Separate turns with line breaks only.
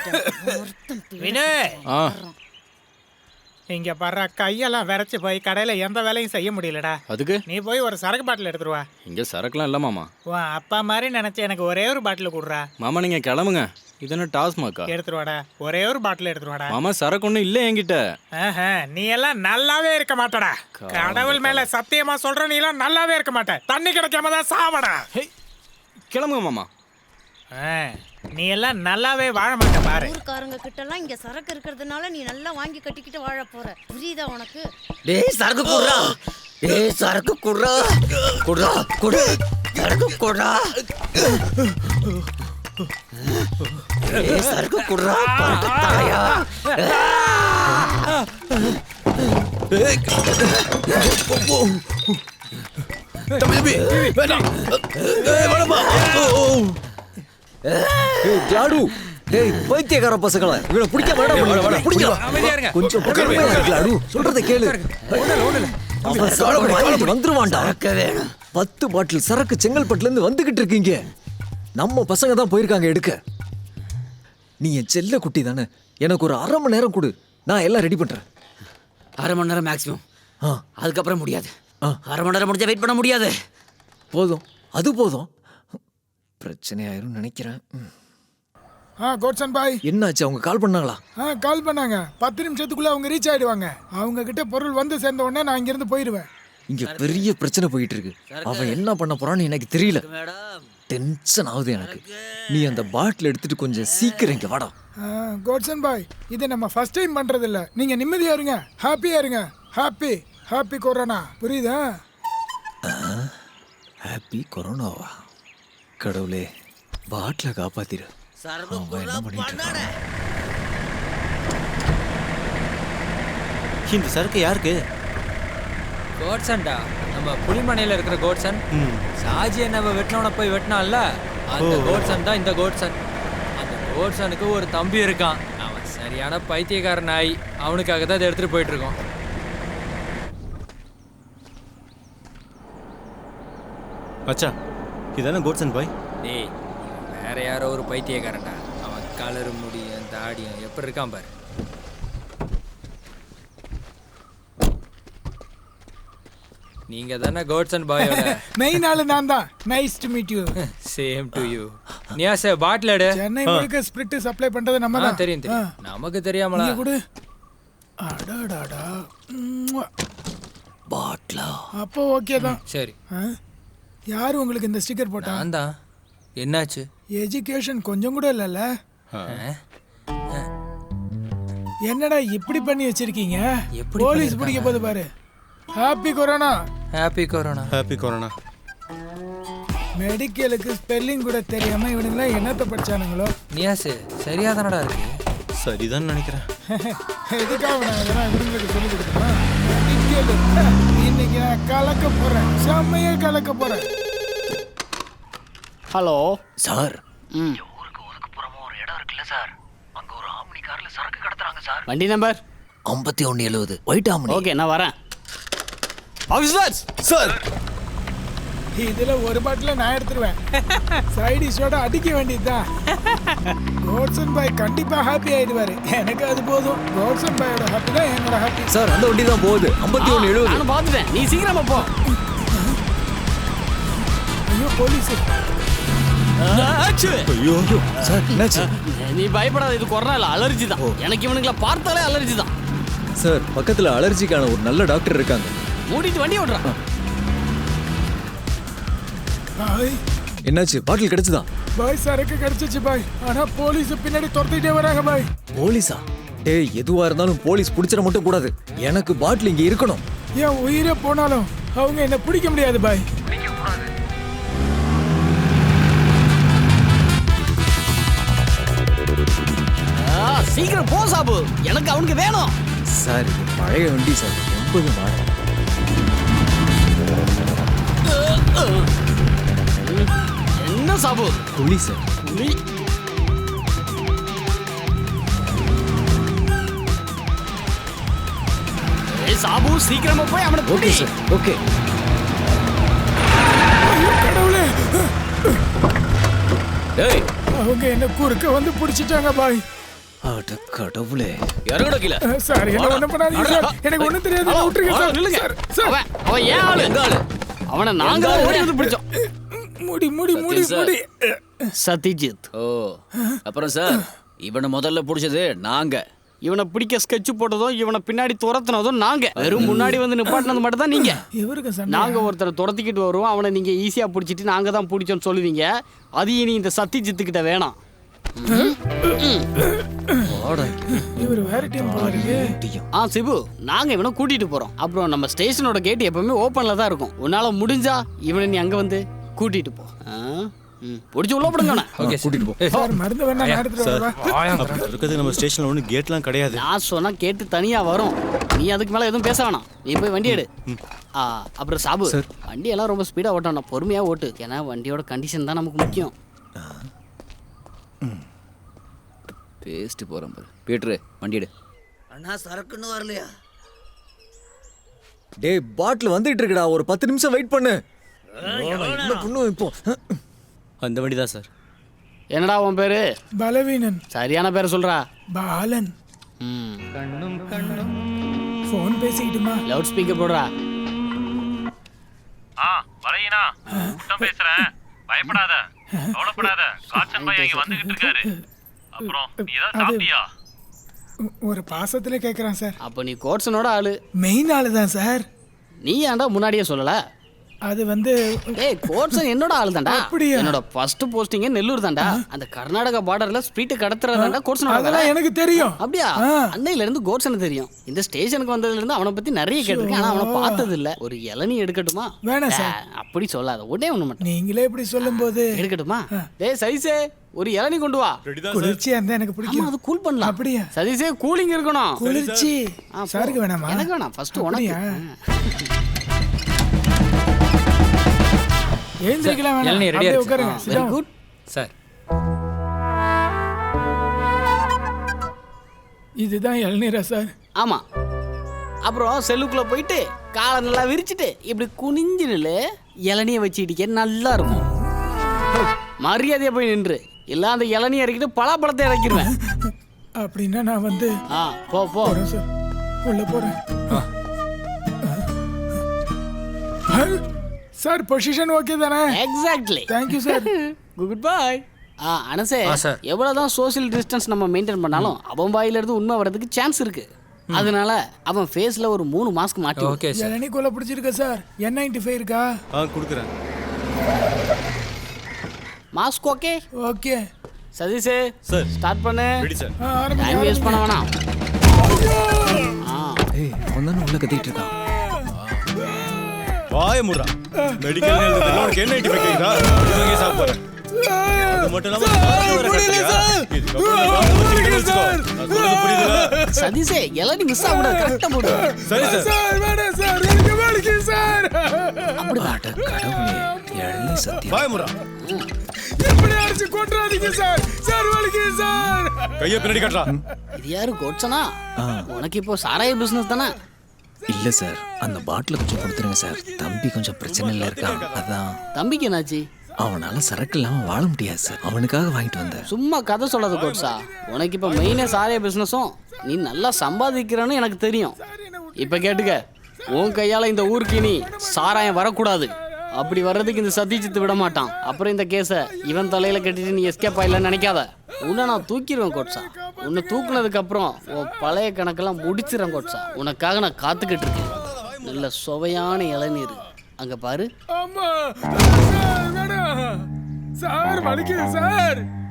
வினய் இங்க பாரு, கையெல்லாம் விரைச்சு போய் கடையில எந்த வேலையும் செய்ய முடியலடா.
அதுக்கு
நீ போய் ஒரு சரக்கு பாட்டில் எடுத்துருவா.
இங்க சரக்குலாம் இல்ல மாமா.
உன் அப்பா மாதிரி நினைச்சு எனக்கு ஒரே ஒரு பாட்டில் கொடுறா.
மாமா நீங்க கிளம்புங்க. இது என்ன டாஸ்மாக்கா?
எடுத்துருவாடா, ஒரே ஒரு பாட்டில் எடுத்துருவாடா.
மாமா சரக்கு ஒன்றும் இல்லை என்கிட்ட.
நீ எல்லாம் நல்லாவே இருக்க மாட்டடா. கடவுள் மேல சத்தியமா சொல்ற, நீ எல்லாம் நல்லாவே இருக்க மாட்ட. தண்ணி கிடைக்காம தான் சாவடா.
கிளம்புங்க மாமா.
நீ எல்லாம் நல்லாவே வாழ மாட்ட பாரு.
ஊர்க்காரங்க கிட்ட எல்லாம் இங்க சரக்கு இருக்கிறதுனால நீ நல்லா வாங்கி கட்டிக்கிட்டு வாழ போற. புரியுதா உனக்கு?
டேய் சரக்கு குடுறா. டேய் சரக்கு குடுறா. குடுறா குடு. சரக்கு குடுறா. டேய் சரக்கு குடுறா. பரட்டலையா.
தம்பி வேணாம். வேணாமா.
ஜாடு டேய் பைத்தியக்கார பசங்களா, இவனை பிடிக்க வேண்டாம். பிடிக்க கொஞ்சம் பொறுமையா இரு ஜாடு, சொல்றத கேளு. அவன் சரக்கு வாங்கிட்டு வந்துருவான்டா. 10 பாட்டில் சரக்கு செங்கல்பட்டுல இருந்து வந்துகிட்டு இருக்கீங்க. நம்ம பசங்க தான் போயிருக்காங்க எடுக்க. நீ என் செல்ல குட்டி தானே, எனக்கு ஒரு 1/2 மணி நேரம் கொடு, நான் எல்லாம் ரெடி பண்றேன்.
1/2 மணி நேரம் மேக்ஸிமம். அதுக்கப்புறம் முடியாது. 1/2 மணி நேரம் முடிஞ்சா வெயிட் பண்ண முடியாது.
போதும், அது போதும். பிரச்சனையாயிரும் நினைக்கிறேன்.
கோட்சன் பாய்,
என்னாச்சு? அவங்க கால் பண்ணாங்களா?
கால் பண்ணாங்க. 10 நிமிஷத்துக்குள்ள அவங்க ரீச் ஆயிடுவாங்க. அவங்க கிட்ட பொருள் வந்து சேர்ந்த உடனே நான் இங்கிருந்து போயிடுவேன்.
இங்க பெரிய பிரச்சனை போயிட்டு இருக்கு. அவன் என்ன பண்ண போறான்னு எனக்கு தெரியல. டென்ஷன் ஆகுது எனக்கு. நீ அந்த பாட்டில் எடுத்துட்டு கொஞ்சம் சீக்கிரம் இங்க வாடா.
கோட்சன் பாய், இது நம்ம ஃபர்ஸ்ட் டைம் பண்றது இல்ல. நீங்க நிம்மதியா இருங்க, ஹாப்பியா இருங்க. ஹாப்பி ஹாப்பி கொரோனா, புரியுதா?
ஹாப்பி கொரோனாவா? கடவுளே, பாட்டில காப்பாத்திரு. என்ன பண்ணிட்டு
இந்த சரக்கு யாருக்கு?
கோட்சன்டா, நம்ம புலிமனையில இருக்கிற கோட்சன். சாஜி என்ன வெட்டினவன போய் வெட்டினான்ல, அந்த கோட்சன் தான் இந்த கோட்சன். அந்த கோட்சனுக்கு ஒரு தம்பி இருக்கான். அவன் சரியான பைத்தியக்கார நாய். அவனுக்காக தான் இதை எடுத்துட்டு போயிட்டு இருக்கோம்.
அச்சா, இதானே கோட்சன் பாய்?
டேய், வேற யாரோ ஒரு பைத்தியக்காரன்டா. அவன் கலரு முடியும் தாடியும் எப்படி இருக்கான் பாரு. நீங்க தானே கோட்சன் பாயோட
மெயின் ஆளு நான் தான். Nice to meet you.
Same to you. Niyas bottle எடு.
சென்னை முழுக்க ஸ்பிரிட் சப்ளை பண்றது நம்ம தான்.
தெரியும் தெரியும். நமக்கு தெரியாமலா?
குடு. அடடடா.
பாட்லா.
அப்போ ஓகே தான்.
சரி.
யாரு உங்களுக்கு இந்த ஸ்டிக்கர் போட்டா?
நான் தான். என்னாச்சு?
எஜுகேஷன் கொஞ்சம் கூட இல்லைல்ல. என்னடா இப்படி பண்ணி வச்சிருக்கீங்க? போலீஸ் பிடிக்க போது பாரு. Happy corona.
Happy corona.
Happy corona.
மெடிக்கலுக்கு ஸ்பெல்லிங் கூட தெரியாம இவனுங்களா என்னத்தை படிச்சானுங்களோ.
நியாஸ் சரியா தானடா இருக்கு?
சரிதான் நினைக்கிறேன்.
எதுக்காக நான் இதெல்லாம் இவங்களுக்கு சொல்லி கொடுத்தேன்? இன்னைக்கு நான் கலக்க போறேன், செம்மையா கலக்க போறேன்.
Hello
sir.
ஊருக்கு ஒதுக்குப்புறமா ஒரு இடம் இருக்குல்ல சார், அங்க ஒரு ஆம்னி கார்ல சரக்கு கடத்துறாங்க சார்.
வண்டி நம்பர்
5170 ஒயிட் ஆம்னி.
ஓகே, நான் வரேன். ஆஃபீஸர் சார்,
இதுல ஒரு பாட்டில நான் எடுத்துருவேன். சைடிஷோட அடிக்க வேண்டியதுதான். கோட்சன் பாய் கண்டிப்பா ஹாப்பி ஆயிடுவாரு. எனக்கு அது போதும். கோட்சன் பாயோட ஹாப்பி தான் என்னோட ஹாப்பி.
சார், அந்த வண்டி தான் போகுது. 5170.
நான் பார்த்துட்டேன், நீ சீக்கிரமா போ.
ஐயோ போலீஸ்.
ஐயோ சார், என்னாச்சு?
நீ பயப்படாத, இது கொரோனா இல்ல, அலர்ஜி தான். எனக்கு இவனுங்களை பார்த்தாலே அலர்ஜி தான்.
சார், பக்கத்துல அலர்ஜிக்கான ஒரு நல்ல டாக்டர் இருக்காங்க.
மூடிட்டு வண்டி ஓட்டுறான்.
பாய்
என்னாச்சு? பாட்டில் கிடைச்சதா?
பாய் சரக்கு கிடைச்சிச்சு பாய். ஆனா போலீஸ் பின்னாடி துரத்திட்டே வராங்க பாய்.
போலீஸா? டேய், எதுவா இருந்தாலும் போலீஸ் பிடிச்சிட மட்டும் கூடாது. எனக்கு பாட்டில் இங்க இருக்கணும்.
ஏன் உயிரே போனாலும் அவங்க என்ன பிடிக்க முடியாது பாய்.
சீக்கிரம் போ சாபு, எனக்கு அவனுக்கு வேணும்.
சார், இது பழைய வண்டி சார், 80 மாடல்.
என்ன சாபு?
புலி சார்.
புலி? சாபு, சீக்கிரமா போய் அவனை
ஓகே சார், ஓகே.
கடவுளே,
டேய்,
அவங்க என்ன குறுக்க வந்து பிடிச்சிட்டாங்க பாய்.
அட கடவுளே.
இறங்குடா கீழே.
சார் என்ன ஒண்ணும் பண்ணாதீங்க சார். எனக்கு ஒண்ணும் தெரியாது.
ஹலோ,
விட்டுருங்க
ஹலோ,
சார்.
நில்லுங்க.
Sir, sir.
அவன் ஏன் ஆளு?
எங்க ஆளு?
அவனை நாங்க தான் ஓடி வந்து பிடிச்சோம்.
முடி முடி முடி
சத்யன் சார்.
முடி.
சத்யஜித்.
ஓ அப்புறம் சார் இவனை முதல்ல பிடிச்சது நாங்க.
இவனை பிடிக்க ஸ்கெட்ச் போட்டதும் இவனை பின்னாடி துரத்துனதும் நாங்க. வெறும் முன்னாடி வந்து நிப்பாட்டினது மட்டும் தான் நீங்க.
இவருக்கு சண்டை.
நாங்க ஒருத்தரை துரத்திக்கிட்டு வருவோம், அவனை நீங்க ஈஸியா பிடிச்சிட்டு நாங்க தான் பிடிச்சோம்னு சொல்லுவீங்க. அது இனி இந்த சத்யஜித்து கிட்ட வேணாம்.
இவர் வேற டீம் போல இருக்கு.
சிபு, நாங்க இவனை கூட்டிட்டு போறோம். அப்புறம் நம்ம ஸ்டேஷனோட கேட் எப்பவுமே ஓப்பன்ல தான் இருக்கும். உன்னால முடிஞ்சா இவனை நீ அங்க வந்து கூட்டிட்டு போ. பிடிச்சி உள்ள போடுங்க.
ஓகே
கூட்டிட்டு போ.
சார் மருந்து வேணா நான் எடுத்துட்டு வரவா?
அப்படி இருக்கிறது நம்ம ஸ்டேஷன்ல ஒன்றும் கேட்லாம் கிடையாது.
நான் சொன்னா கேட்டு தனியா வரும். நீ அதுக்கு மேல எதுவும் பேச வேணாம். நீ போய் வண்டி எடு. அப்புறம் சாபு, வண்டி எல்லாம் ரொம்ப ஸ்பீடா ஓட்டணும். பொறுமையா ஓட்டு. ஏன்னா வண்டியோட கண்டிஷன் தான் நமக்கு முக்கியம்.
பேஸ்ட் போறேன் பாரு. பீட்ரு வண்டி எடு. அண்ணா சரக்குன்னு வரலையா?
டேய் பாட்டில் வந்துட்டு இருக்குடா. ஒரு 10 நிமிஷம் வெயிட் பண்ணு. என்ன பண்ணுவோம் இப்போ?
அந்த வண்டி தான் சார்.
என்னடா உன் பேரு?
பலவீனன்.
சரியான பேரை சொல்றா.
பாலன். போன் பேசிக்கிட்டுமா?
லவுட் ஸ்பீக்கர் போடுறா.
வலையினா கூட்டம் பேசுறேன். பயப்படாத, கவலைப்படாத. காச்சன் பையன் இங்க வந்துகிட்டு இருக்காரு. அப்புறம் நீ ஏதாவது சாப்பிட்டியா?
ஒரு பாசத்துல கேக்குறான் சார்.
அப்ப நீ கோட்ஸனோட ஆளு.
மெயின் ஆளு தான் சார்.
நீ ஏன்டா முன்னாடியே சொல்லல?
அது வந்து
ஏய், கோட்ஸன் என்னோட ஆளு தான்டா.
அப்படியா?
என்னோட ஃபர்ஸ்ட் போஸ்டிங்கே நெல்லூர் தான்டா. அந்த கர்நாடகா பார்டர்ல ஸ்பீட் கடத்துறதாண்டா கோட்ஸனோட வேலை.
அதெல்லாம் எனக்கு தெரியும்.
அப்படியா? அன்னையில இருந்து கோட்ஸனுக்கு தெரியும். இந்த ஸ்டேஷனுக்கு வந்ததுல இருந்து அவனை பத்தி நிறைய கேட்டிருக்கேன். ஆனா அவனை பார்த்தது இல்ல. ஒரு இளநீ எடுக்கட்டுமா?
வேணாம் சார்.
அப்படி சொல்லாத. உடனே ஒண்ணு மட்டும்
நீங்களே இப்படி சொல்லும்போது
எடுக்கட்டுமா? டேய் சதீஷே, ஒரு இளநீ கொண்டு வா.
குளிர்ச்சியா இருந்தா எனக்கு
ஆமா,
பிடிக்கும்.
அது கூல் பண்ணலாம்.
அப்படியா?
சதீஷே, கூலிங் இருக்கணும்.
குளிர்ச்சி
போ.
சாருக்கு வேணாமா?
எனக்கு வேணாம். ஃபர்ஸ்ட் உனக்கு.
ஏந்திரிக்கலாம் வேணாம்.
இளநீ ரெடியா
அப்படியே
இருக்கு.
உட்காருங்க.
வெரி
சிதா.
குட்.
சார்
இதுதான் இளநீரா சார்?
ஆமா. அப்புறம் செல்லுக்குள்ள போயிட்டு காலை நல்லா விரிச்சிட்டு இப்படி குனிஞ்சு நில்லு. இளநியை வச்சு இடிக்க நல்லா இருக்கும். மரியாதையா போய் நின்று. இல்ல அந்த இளநியை இறக்கிட்டு பலாப்பழத்தை இறக்கிடுவேன்.
அப்படின்னா நான் வந்து
போ போ.
போறேன் சார். உள்ள போறேன். சார் பொசிஷன் ஓகே தானே?
Exactly.
Thank you sir.
Good bye. அனசே,
சார்.
எவ்வளவுதான் சோஷியல் டிஸ்டன்ஸ் நம்ம மெயின்டைன் பண்ணாலும் அவன் வாயில இருந்து உண்மை வரதுக்கு சான்ஸ் இருக்கு. அதனால அவன் ஃபேஸ்ல ஒரு 3 மாஸ்க் மாட்டி.
Okay sir.
இளநீ கொலை பிடிச்சிருக்க சார். N95 இருக்கா?
கொடுக்குறேன்.
Mask okay?
ஓகே.
சதீஷே
சார்.
ஸ்டார்ட் பண்ணு.
Ready sir.
டைம் வேஸ்ட் பண்ண வேணாம்.
ஏய் அவன் தானே உள்ள கத்திட்டு இருக்கான்.
வாய முறா. மெடிக்கல் எழுதுறதுல உனக்கு என்ன ஐடி வைக்கிறீங்க? இதுங்க சாப்பிடுற. அது மட்டும் இல்லாம வர கட்டியா?
சதீஷே, இளநீ மிஸ் ஆகக்கூடாது. கரெக்டா போடு.
சரி சார்.
சார் வேணாம் சார். எனக்கு வலிக்குது சார்.
அட கடவுளே. இளநீ சத்தியம்.
வாய முறா.
இப்படி அடிச்சு கொன்றாதீங்க சார். சார் வலிக்குது சார்.
கையை பின்னாடி காட்டுறா.
இது யாரு கோட்சனா? உனக்கு இப்போ சாராய பிசினஸ் தானே?
இல்ல சார், அந்த பாட்டில கொஞ்சம் கொடுத்துருங்க சார். தம்பி கொஞ்சம் பிரச்சனையில இருக்கான். அதான்.
தம்பிக்கு என்னாச்சு?
அவனால சரக்கு இல்லாம வாழ முடியாது சார். அவனுக்காக வாங்கிட்டு வந்தேன்.
சும்மா கதை சொல்லாத கோட்ஸா. உனக்கு இப்போ மெயினே சாராய பிசினஸும் நீ நல்லா சம்பாதிக்கிறன்னு எனக்கு தெரியும். இப்ப கேட்டுக்க, உன் கையால இந்த ஊருக்கு நீ சாராயம் வரக்கூடாது. அப்படி வர்றதுக்கு இந்த சத்யஜித் விட மாட்டான். அப்புறம் இந்த கேஸை இவன் தலையில கட்டிட்டு நீ எஸ்கேப் ஆயிடலன்னு நினைக்காத. உன்னை நான் தூக்கிடுவேன் கோட்ஸா. உன்னை தூக்குனதுக்கு அப்புறம் உன் பழைய கணக்கெல்லாம் முடிச்சிடறேன் கோட்ஸா. உனக்காக நான் காத்துக்கிட்டு இருக்கேன். நல்ல சுவையான இளநீர் அங்க பாரு.
அம்மா சார் வேணாம். சார் வலிக்குது சார்.